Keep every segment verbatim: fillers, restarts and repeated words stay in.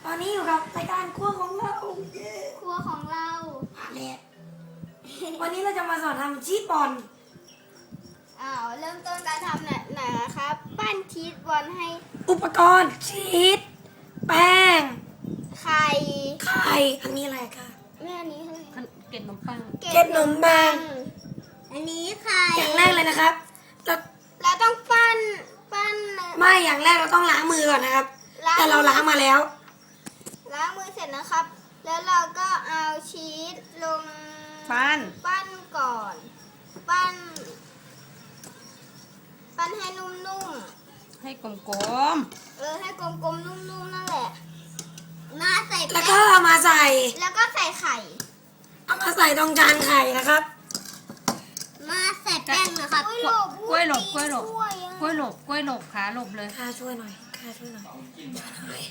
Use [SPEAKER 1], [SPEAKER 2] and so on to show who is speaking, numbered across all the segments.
[SPEAKER 1] ตอนนี้อยู่กับรายการครัวของเรา
[SPEAKER 2] ครัวของเรา
[SPEAKER 1] เนี่ยวันนี้เราจะมาสอนทำชีสบอล
[SPEAKER 2] อ้าวเริ่มต้นการทำเนี่ยไหนนะครับ ปั้นชีสบอลให้
[SPEAKER 1] อุปกรณ์ชีสแป้ง
[SPEAKER 2] ไข่
[SPEAKER 1] ไข่อันนี้อะไรคะ
[SPEAKER 2] แม่อันนี้คือ
[SPEAKER 3] เกล็ดขนมปัง
[SPEAKER 1] เกล็ดขนมปัง
[SPEAKER 2] อันนี้ไข่
[SPEAKER 1] อย่างแรกเลยนะครับเรา
[SPEAKER 2] เราต้องปั้นปั้น
[SPEAKER 1] ไม่อย่างแรกเราต้องล้างมือก่อนนะครับ
[SPEAKER 2] ล้าง
[SPEAKER 1] แต่เราล้างมาแล้ว
[SPEAKER 2] ล้างมือเสร็จนะครับ แล้วเราก็เอาชีสลง
[SPEAKER 3] ปั้น
[SPEAKER 2] ปั้นก่อน ปั้น ปั้นให้นุ่มๆ
[SPEAKER 3] ให้กลม
[SPEAKER 2] เออให้กลมๆนุ่มๆนั่นแหละมาใส่
[SPEAKER 1] แล้ว
[SPEAKER 2] แป้
[SPEAKER 1] ก็
[SPEAKER 2] ง
[SPEAKER 1] เอามาใส่
[SPEAKER 2] แล้วก็ใส่ไข่
[SPEAKER 1] เอามาใส่ตรงจานไข่นะครับ
[SPEAKER 2] มาใส่แป้งนะครับ
[SPEAKER 3] ๆกล้วยหลบกล้วยหลบกล้วยหลบกล้วยหลบขาหลบเลย
[SPEAKER 1] ข้าช่วยหน่อยข้าช่วยหน่อยช่วยหน่อย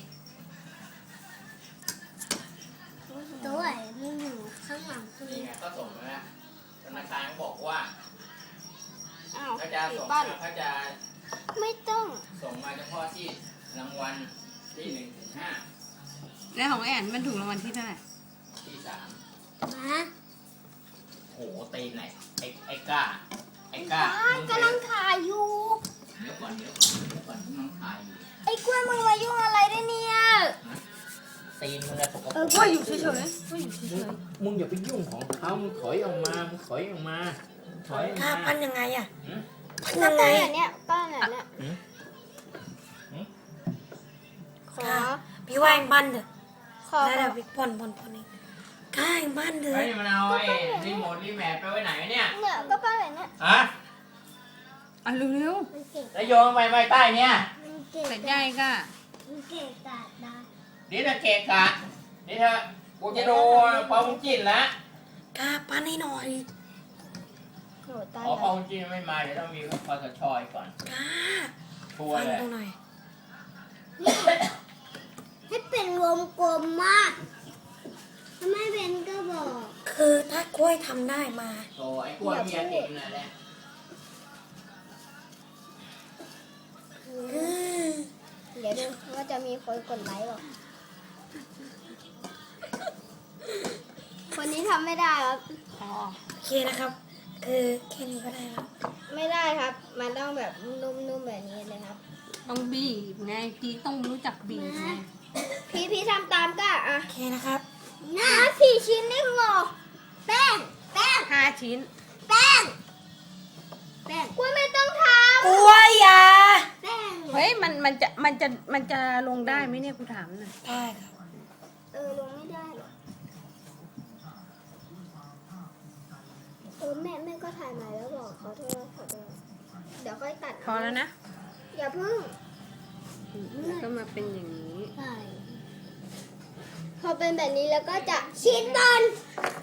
[SPEAKER 2] ตัวมันอยู่ข้างหลังตัว
[SPEAKER 4] นี่ไงก็ส่งมาแล้วธนาคารเขาบอกว่า
[SPEAKER 2] อ้าว
[SPEAKER 4] เขาจะส่ง
[SPEAKER 2] ปั้น
[SPEAKER 4] เขาจะ
[SPEAKER 2] ไม่ต้อง
[SPEAKER 4] ส่งมาเฉพาะที่รางวัลที่หนึ่งถึงห้า
[SPEAKER 3] แล้วของแอนมันถูกรางวัลที่เท่าไหร่
[SPEAKER 4] ที่สาม
[SPEAKER 2] มา
[SPEAKER 4] โหตีนไหนไอ้ไอ้ก้าไอ้ก้า
[SPEAKER 2] บ้านกำลังถ่ายอยู่
[SPEAKER 4] เดี๋ยวก่อนเดี๋ยวก่อนเดี๋ยวก่อนมึงถ่ายอยู่
[SPEAKER 2] ไอ้กล้วยมึงมายุ่งอะไรด้วยเนี่ย
[SPEAKER 4] ตีนมึงอะสกปร
[SPEAKER 2] เออก
[SPEAKER 3] กล้วยอยู่เฉยๆกล้วยอยู่เฉ
[SPEAKER 4] มึง
[SPEAKER 3] ย
[SPEAKER 4] มึงอย่าไปยุ่งของเขามึงถอยออกมามึงถอยออกมาถอยออก
[SPEAKER 1] ข้า
[SPEAKER 4] มา
[SPEAKER 1] ปั้นยังไงอะ
[SPEAKER 4] หืม
[SPEAKER 1] ปั้น
[SPEAKER 2] ก็
[SPEAKER 1] ยังไง
[SPEAKER 2] ปั้นแบบเนี้ยปั้นแบบเนี้ย
[SPEAKER 4] หืมหืม
[SPEAKER 2] ขอ
[SPEAKER 1] ข้าพี่ว่าเองปั้นเถอะ
[SPEAKER 2] ขอ
[SPEAKER 1] แล้วเดี๋ยวพี่พ่นพ่นพ่นเองข้าเองปั้นเถ
[SPEAKER 4] เฮ้
[SPEAKER 1] อะ
[SPEAKER 4] ยมันเอาไอ้รีโมทรีแมทไปไว้ไหนวะเนี่ย
[SPEAKER 2] เนี่ยก็ปั้นแบบเนี้ย
[SPEAKER 4] ฮะ
[SPEAKER 3] ๆอ่ะเร็ว
[SPEAKER 2] มันเก่ง
[SPEAKER 4] แล้วโยนไปไว้ใต้เนี่ย
[SPEAKER 2] มันเก่ง
[SPEAKER 3] ๆแต่ใหญ่ก็
[SPEAKER 2] มันเก่งกาดได้
[SPEAKER 4] เดี๋ยวจะเกะกะเดี๋ยวเธอกูจะดูพอมึงจิ้นแล้ว
[SPEAKER 1] ข้าปั้นให้หน่อย
[SPEAKER 2] โหตาย
[SPEAKER 4] อ๋อพอ
[SPEAKER 2] แล้ว
[SPEAKER 4] มึงจิ้นไม่มาเดี๋ยวต้องมีคอสชอยก่อน
[SPEAKER 1] ข้า
[SPEAKER 4] ทัวร์
[SPEAKER 1] ปั้น
[SPEAKER 4] เลย
[SPEAKER 1] ตรงหน่อย
[SPEAKER 2] ให้เป็นวงกลมมากถ้าไม่เป็นก็บอก
[SPEAKER 1] คือถ้ากล้วยทำได้มา
[SPEAKER 4] โอ้ไอ้กล้วยเมียติดนั่นแหละ
[SPEAKER 1] อืม
[SPEAKER 2] เดี๋ยวดูว่าจะมีคนกดไลค์หรอคนนี้ทำไม่ได้ครับ
[SPEAKER 3] อ๋อ
[SPEAKER 1] โอเคนะครับ คือแค่นี้ก็ได้แล้ว
[SPEAKER 2] ไม่ได้ครับ มันต้องแบบนุ่มๆแบบนี้เลยครับ
[SPEAKER 3] ต้องบีบไงพี่ต้องรู้จักบีบไง
[SPEAKER 2] พี่พี่ทำตามก็อ่ะ
[SPEAKER 1] โอเคนะครับ
[SPEAKER 2] น้าสี่ชิ้นนี่เหรอแป้ง แป้ง
[SPEAKER 3] ห้าชิ้น
[SPEAKER 2] แป้ง แป้งกล้วยไม่ต้องท
[SPEAKER 1] กล้วยอยา
[SPEAKER 2] ำแป้ง
[SPEAKER 3] เฮ้ยมันมันจะมันจะมันจะลงได้ไหมเนี่ยกูถามหน่อย
[SPEAKER 1] ได้ครับ
[SPEAKER 2] เออลงไม่ได้หรอเออแม่แม่ก็ถ่ายมาแล้วบอกเขาโทษขอโทษเดี๋ยวค่อยตัด
[SPEAKER 3] พอแล้วนะ
[SPEAKER 2] อย่าเพิ่ง
[SPEAKER 3] แล้วก็มาเป็นอย่างนี้
[SPEAKER 2] ใช่พอเป็นแบบนี้แล้วก็จะชิ้นบอล